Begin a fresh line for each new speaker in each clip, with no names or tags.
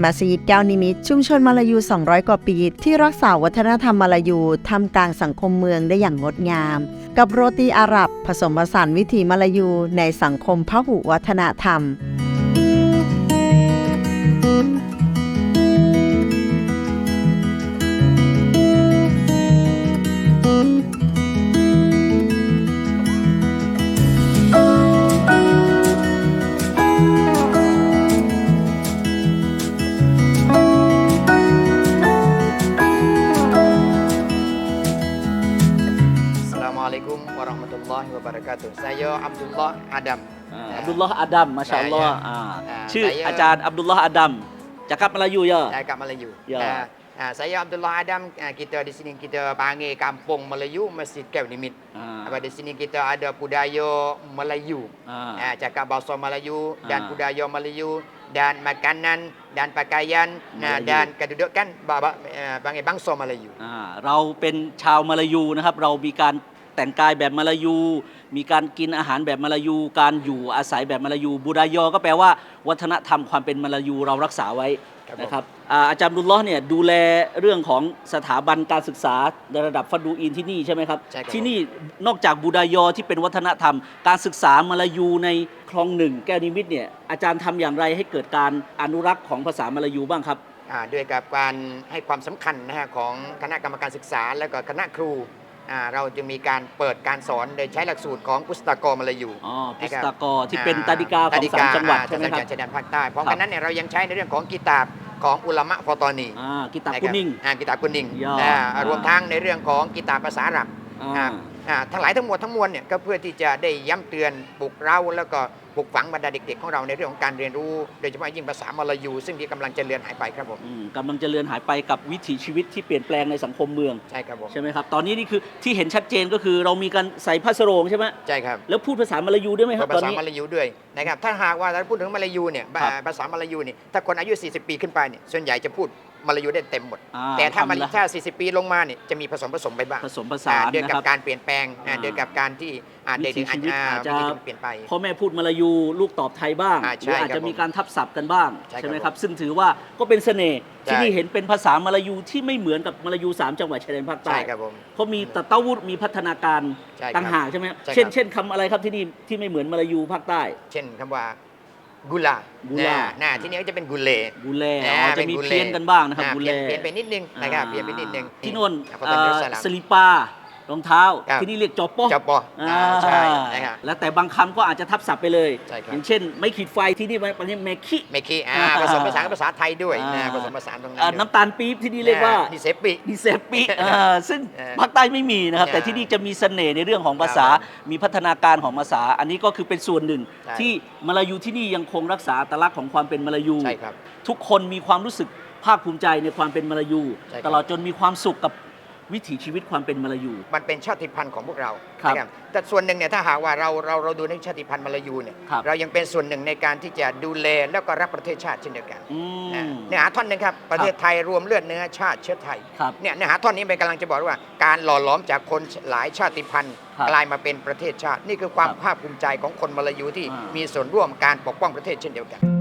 มัสยิดแก้วนิมิตรชุมชนมาลายู 200 กว่าปีที่รักษาวัฒนธรรมมาลายูท่ามกลางสังคมเมืองได้อย่างงดงามกับโรตีอาหรับผสมผสานวิถีมาลายูในสังคมพหุวัฒนธรรม
Assalamualaikum warahmatullahi wabarakatuh. Saya Abdullah Adam.
อับดุลลอฮ์อาดัมมาชาอัลลอฮ์ชื่ออาจารย์อับดุลลอฮ์อาดัมจากกัมลายูya
Cakap Melayu.
Ya.
Saya Abdullah Adam. Kita di sini kita panggil kampung Melayu Masjid Kep Nimit. Di sini kita ada budaya Melayu. Cakap bahasa Melayu dan budaya Melayu dan makanan dan pakaian dan kedudukan panggil bangsa Melayu.
เราเป็นชาวมาลายูนะครับเรามีการแต่งกายแบบมาลายูมีการกินอาหารแบบมาลายูการอยู่อาศัยแบบมาลายูบูดายอก็แปลว่าวัฒนธรรมความเป็นมาลายูเรารักษาไว้นะครับอาจารย์อับดุลลอฮ์เนี่ยดูแลเรื่องของสถาบันการศึกษาในระดับฟัดดูอินที่นี่ใช่ไหมครับที่นี่นอกจากบูดายอที่เป็นวัฒนธรรมการศึกษามาลายูในคลองหนึ่งแก้วนิมิตเนี่ยอาจารย์ทำอย่างไรให้เกิดการอนุรักษ์ของภาษามาลายูบ้างครับ
ด้วยกับการให้ความสำคัญของคณะกรรมการศึกษาและก็คณะครูเราจึงมีการเปิดการสอนโดยใช้หลักสูตรของพุทธกรมาลายู
พุทธกรที่เป็นตาดิกาของ3จังหวัดใช่ไหมครับ
ชายแดนภาคใต้พร้อมกันนั้นเนี่ยเรายังใช้ในเรื่องของกีตาบของอุลามะฟอตอนี
กีตาบกุนิ่ง
กีตาบกุนิ่งรวมทั้งในเรื่องของกีตาบภาษาอาหรับทั้งหลายทั้งมวลเนี่ยก็เพื่อที่จะได้ย้ำเตือนปลุกเร้าแล้วก็ปลูกฝังบรรดาเด็กๆของเราในเรื่องของการเรียนรู้โดยเฉพาะยิ่งภาษามลายูซึ่งที่กำลังจะเลือนหายไปครับผม
กำลังจะเลือนหายไปกับวิถีชีวิตที่เปลี่ยนแปลงในสังคมเมือง
ใช่ครับผม
ใช่ไหมครับตอนนี้นี่คือที่เห็นชัดเจนก็คือเรามีการใส่ผ้าสโรงใช่ไหม
ใช่ครับ
แล้วพูดภาษามลายูด้วยไหมครับ
ภาษามลายูด้วยนะครับถ้าหากว่าเราพูดถึงมลายูเนี่ยภาษามลายูนี่ถ้าคนอายุ40 ปีขึ้นไปเนี่ยส่วนใหญ่จะพูดมาลายูได้เต็มหมดแต่ถ้า40 ปีลงมาเนี่ยจะมีผสมไปบ้าง
ผสมผสาน
เกี่ยวกับการเปลี่ยนแปลงเกี่ยวกับการที่
วิถีชีวิตอาจจะ
เปลี่ยนไป
พ่อแม่พูดมาลายูลูกตอบไทยบ้างหรืออาจจะมีการทับศัพท์กันบ้างใช่ไหมครับซึ่งถือว่าก็เป็นเสน่ห์ที่นี่เห็นเป็นภาษามาลายูที่ไม่เหมือนกับมาลายู3จังหวัดชายแดนภาคใต้เพราะมีตะเต้าวุฒมีพัฒนาการต่างหากใช่ไหมเช่นคำอะไรครับที่นี่ที่ไม่เหมือนมาลายูภาคใต้
เช่นคำว่ากุลาที่นี้ก็จะเป็นกุเล
จะมีเพี้ยนกันบ้างนะครับกุเล
เปลี่ยนไปนิดนึงนะครับเปลี่ยนไปนิดนึง
ที่โน่นสลิปารองเท้าที่นี่เรียกจอปอ
ใช่
แล้วแต่บางคำก็อาจจะทับศัพท์ไปเลยอย่างเช่นไม่ขีดไฟที่นี่ประเทศเมคิ
ผสมผสานกับภาษาไทยด้วยผสมผสานตรงนั้น
น้ำตาลปี๊บที่นี่เรียกว่า
นิเซ
ปิซึ่งภาคใต้ไม่มีนะครับแต่ที่นี่จะมีเสน่ห์ในเรื่องของภาษามีพัฒนาการของภาษาอันนี้ก็คือเป็นส่วนหนึ่งที่มาลายูที่นี่ยังคงรักษาอัตลักษณ์ของความเป็นมาลายูทุกคนมีความรู้สึกภาคภูมิใจในความเป็นมาลายูตลอดจนมีความสุขกับวิถีชีวิตความเป็นมาลายู
มันเป็นชาติพันธุ์ของพวกเรานะครับแต่ส่วนหนึ่งเนี่ยถ้าหากว่าเราดูในชาติพันธุ์มาลายูเนี่ยเรายังเป็นส่วนหนึ่งในการที่จะดูแลแล้วก็รักประเทศชาติเช่นเดียวกันเนื้อหาท่อนนึงครับประเทศไทยรวมเลือดเนื้อชาติเชื้อไทยเนี่ยเนื้อหาท่อนนี้เป็นกำลังจะบอกว่าการหล่อหลอมจากคนหลายชาติพันธุ์กลายมาเป็นประเทศชาตินี่คือความภาคภูมิใจของคนมาลายูที่มีส่วนร่วมการปกป้องประเทศเช่นเดียวกัน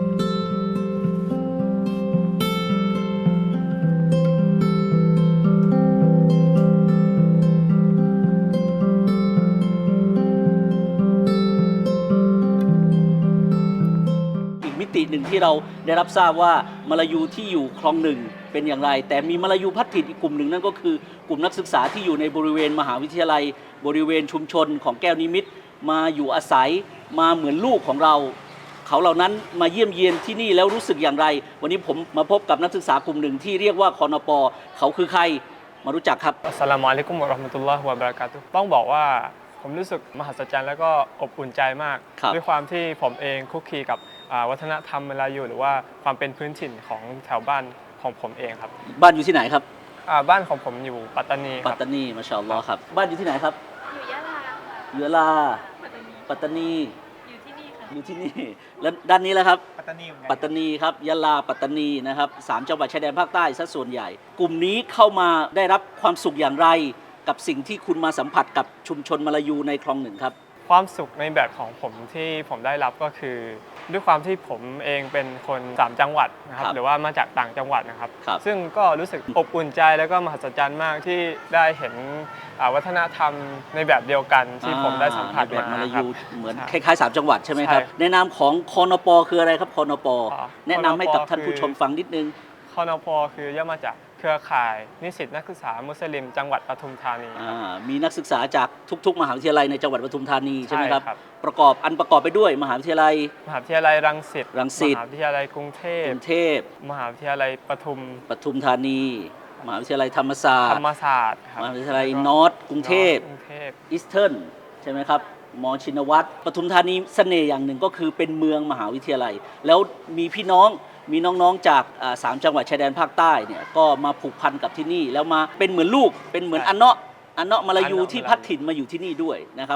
หนึ่งที่เราได้รับทราบว่ามาลายูที่อยู่คลองหนึ่งเป็นอย่างไรแต่มีมาลายูพัฒถิ่นอีกกลุ่มหนึ่งนั่นก็คือกลุ่มนักศึกษาที่อยู่ในบริเวณมหาวิทยาลัยบริเวณชุมชนของแก้วนิมิตรมาอยู่อาศัยมาเหมือนลูกของเราเขาเหล่านั้นมาเยี่ยมเยียนที่นี่แล้วรู้สึกอย่างไรวันนี้ผมมาพบกับนักศึกษากลุ่มหนึ่งที่เรียกว่าคอนป.เขาคือใครมารู้จักครับ
อัสสลามุอะลัยกุมวะเราะห์มะตุลลอฮิวะบะเราะกาตุฮ์ต้องบอกว่าผมรู้สึกมหัศจรรย์แล้วก็อบอุ่นใจมากด้วยความที่ผมเองคุกคีกับวัฒนธรรมมาลายูหรือว่าความเป็นพื้นถิ่นของแถวบ้านของผมเองครับ
บ้านอยู่ที่ไหนครับ
บ้านของผมอยู่ปัตตานี
ปัตตานีมาชาอัลลอฮ์ครับบ้านอยู่ที่ไหนครับ
อยู่ยะลาค่ะ
อยู่ยะลาปัตตานี
อยู่ที่นี่ค่ะ
อยู่ที่นี่แล้วด้านนี้แล้วครับปัตตานีครับยะลาปัตตานีนะครับ3จังหวัดชายแดนภาคใต้ซะส่วนใหญ่กลุ่มนี้เข้ามาได้รับความสุขอย่างไรกับสิ่งที่คุณมาสัมผัสกับชุมชนมาลายูในคลองหนึ่งครับ
ความสุขในแบบของผมที่ผมได้รับก็คือ ด้วยความที่ผมเองเป็นคน3จังหวัดนะครับหรือว่ามาจากต่างจังหวัดนะครับซึ่งก็รู้สึกอบอุ่นใจแล้วก็มหัศจรรย์มากที่ได้เห็นวัฒนธรรมในแบบเดียวกันที่ผมได้สัมผัส
แบบ
มา
มาลา
ครั
ยู
บ
เหมือนคล้ายๆ3จังหวัดใช่ไหมครับ
ใช่
ในนามของคอนปคืออะไรครับคอนป
อ๋อ
แนะนำให้กับท่านผู้ชมฟังนิดนึง
คอนปคือย่อมาจากเครือข่ายนิสิตนักศึกษามุสลิมจังหวัดปทุมธานีครับ
มีนักศึกษาจากทุกๆ มหาวิทยาลัยในจังหวัดปทุมธานีใช่ไหมครับ
ใช่ครับ
ประกอบไปด้วยมหาวิทยาลัย
มหาวิทยาลัยรังสิต
รังสิต
มหาวิทยาลัยกรุงเท
ก
พ
รุงเทพ
มหาวิทยาลัยปทุม
ปทุมธานี มหาวิทยาลัยธรรมศาสต
ธร
ร์
รมศาสตร์ครับ
มหาวิทยาลัย
แล้วก็
นอร์ทกรุงเทพ
กรุงเทพ
อีสเทิร์นใช่ไหมครับมอชินวัตรปทุมธานีเสน่ห์อย่างหนึ่งก็คือเป็นเมืองมหาวิทยาลัย แล้วมีพี่น้องมีน้องๆจาก3จังหวัดชายแดนภาคใต้เนี่ยก็มาผูกพันกับที่นี่ แล้วมาเป็นเหมือนลูกเป็นเหมือนอันเนาะมาลายูที่พัดถิ่นมาอยู่ที่นี่ด้วยนะครับ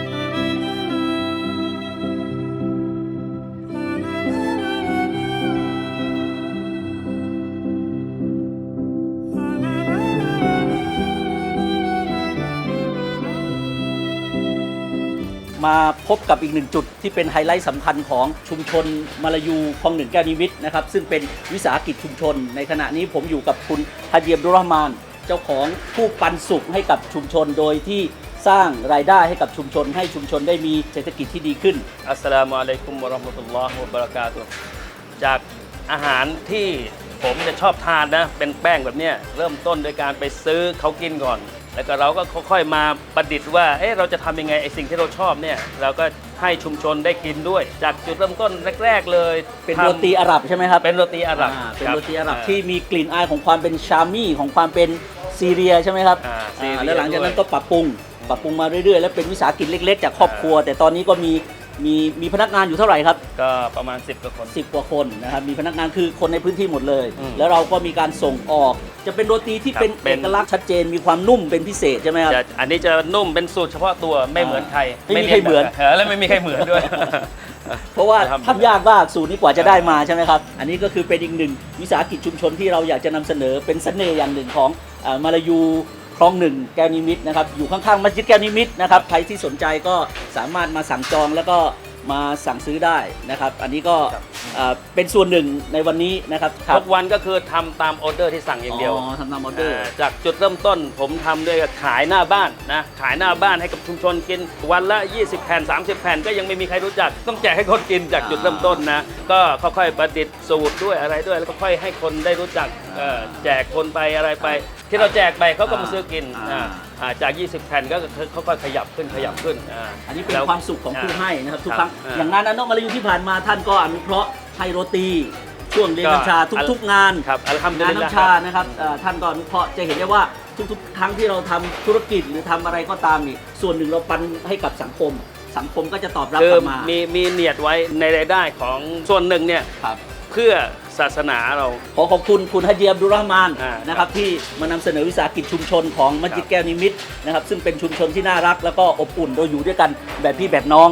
มาพบกับอีกหนึ่งจุดที่เป็นไฮไลท์สำคัญของชุมชนมาลายูคลอง1แก้วนิมิตรนะครับซึ่งเป็นวิสาหกิจชุมชน ในขณะนี้ผมอยู่กับคุณฮาเดียมดุรอห์มาน เจ้าของผู้ปันสุขให้กับชุมชนโดยที่สร้างรายได้ให้กับชุมชน ให้ชุมชนได้มีเศรษฐกิจที่ดีขึ้น
อัสสลามุอะลัยกุมวะเราะห์มะตุลลอฮ์วะบะเราะกาตุฮ์จากอาหารที่ผมเนี่ยชอบทานนะเป็นแป้งแบบเนี้ยเริ่มต้นโดยการไปซื้อเขากินก่อน แล้วก็เราก็ค่อยๆมาประดิษฐ์ว่าเราจะทำยังไงไอ้สิ่งที่เราชอบเนี่ยเราก็ให้ชุมชนได้กินด้วย จากจุดเริ่มต้นแรกๆเลย
เป็น
ทำ
โรตีอาหรับใช่ไหมครับ
เป็นโรตีอาหรับ
เป็น
คบ
โรตีอาหรับที่มีกลิ่นอายของความเป็นชามี่ของความเป็นซีเรียใช่ไหมครับ
ซีเรีย
แล้วหลังจากนั้น
ด้วย
ก็ปรับปรุงมาเรื่อยๆ แล้วเป็นวิสาหกิจเล็กๆ จากครอบครัว แต่ตอนนี้ก็มีพนักงานอยู่เท่าไหร่ครับ
ก็ประมาณ10กว่าคน
10 กว่าคนนะครับมีพนักงานคือคนในพื้นที่หมดเลย
อืม
แล้วเราก็มีการส่งออก จะเป็นโรตีที่
ครับ
เป็น
เป็
เอน กลักษณ์ชัดเจนมีความนุ่มเป็นพิเศษใช่ไหมครับ
อันนี้จะนุ่มเป็นสูตรเฉพาะตัวไม่เหมือนใคร
ไม่มีใครเหมือน
และไม่มีใครเหมือนด้วย
เพราะว่า
ครับ
ทำยากมากสูตรนี้กว่าจะได้มาใช่ไหมครับ อันนี้ก็คือเป็นอีกหนึ่งวิสาหกิจชุมชนที่เราอยากจะนำเสนอเป็นเสน่ห์อย่างหนึ่งของมาลายูคลอง1แก้วนิมิตรนะครับอยู่ข้างๆมัสยิดแก้วนิมิตรนะครับใครที่สนใจก็สามารถมาสั่งจองแล้วก็มาสั่งซื้อได้นะครับ อันนี้ก็เป็นส่วนหนึ่งในวันนี้นะครับ
ทุกวันก็คือทำตามออเดอร์ที่สั่งอย่างเดียว
ทำตามออเดอร์
จากจุดเริ่มต้นผมทำด้วยขายหน้าบ้านนะขายหน้าบ้านให้กับชุมชนกินวันละ 20 แผ่น 30 แผ่นก็ยังไม่มีใครรู้จักต้องแจกให้คนกินจากจุดเริ่มต้นนะก็ค่อยๆประดิษฐ์สูตรด้วยอะไรด้วยแล้วก็ค่อยให้คนได้รู้จักแจกคนไปอะไรไป ที่เราแจกไปเขาก็มาซื้อกินจาก 20 แผ่นก็ค่อยๆขยับขึ้น
อันนี้เป็น
แล้ว
ความสุขของผู้ให้นะครับทุก
ค
ครับ รั้งอย่างงานอันนอกมาลายูที่ผ่านมาท่านก็อนุเคราะห์ให้โรตีช่วงเรียนน้ำชาทุกๆงาน
ครับอัลฮัมดุ
งาน
ลิลลาห์
น้ำชานะครับท่านก็อนุเคราะห์จะเห็นได้ว่าทุกๆ ครั้งที่เราทำธุรกิจหรือทำอะไรก็ตามนี่ส่วนหนึ่งเราปันให้กับสังคมก็จะตอบรับ
คื
ก
อ
ลับมา
มีเนียดไว้ในรายได้ของส่วนหนึ่งเนี่ย
ครับ
เพื่อศาสนาเรา
ขอขอบคุณคุณฮะเดียมดุรอห์มาน
อ่า
นะครับที่มานำเสนอวิสาหกิจชุมชนของมัสยิดแก้วนิมิตรนะครับซึ่งเป็นชุมชนที่น่ารักแล้วก็อบอุ่นโดยอยู่ด้วยกันแบบพี่แบบน้อง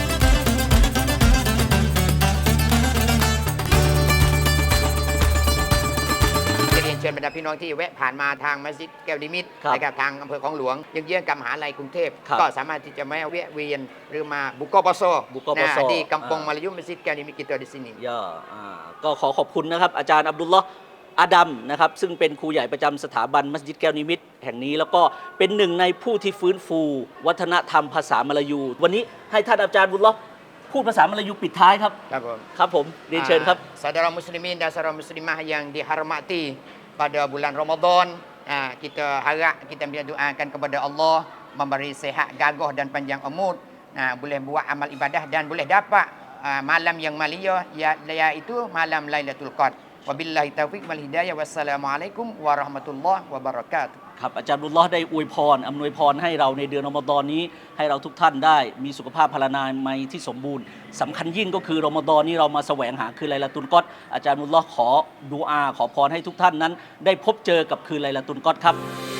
เรียนเชิญบรรดาพี่น้องที่แวะผ่านมาทางมัสยิดแก้วนิมิตร
ครับ
นะครับทางอำเภอของหลวงเยื้องๆกับมหาลัยกรุงเทพ
ครับ
ก็สามารถที่จะมาแวะเวียนหรือมาบุกปโซ
บุกปโซ
di Kampung Melayu Masjidแก้วนิมิตรkita di sini
ย่อก็ขอขอบคุณนะครับอาจารย์อับดุลลอฮ์อาดัมนะครับซึ่งเป็นครูใหญ่ประจำสถาบันมัสยิดแก้วนิมิตรแห่งนี้แล้วก็เป็นหนึ่งในผู้ที่ฟื้นฟูวัฒนธรรมภาษามลายู วันนี้ให้ท่านอาจารย์อับดุลลอฮ์พูดภาษามลายูปิดท้ายครับ
ครับผม
ครับผมเรียนเชิญครับ
Saudara muslimin dan saudara muslimah yang dihormati pada bulan Ramadan, kita harap kita berdoakan kepada Allah memberi sihat gagah dan panjang umur, boleh buat amal ibadah dan boleh dapat malam yang mulia iaitu malam Lailatul Qadar. Wabillahi taufiq wal hidayah. Wassalamualaikum warahmatullahi wabarakatuh.
ครับอาจารย์บุลลอฮ์ได้อวยพรอำนวยพรให้เราในเดือนรอมฎอนนี้ให้เราทุกท่านได้มีสุขภาพพลานามัยที่สมบูรณ์สำคัญยิ่งก็คือรอมฎอนนี้เรามาแสวงหาคืนไลลาตุลกอดอาจารย์บุลลอฮ์ขอดุอาขอพรให้ทุกท่านนั้น ได้พบเจอกับคืนไลลาตุลกอดครับ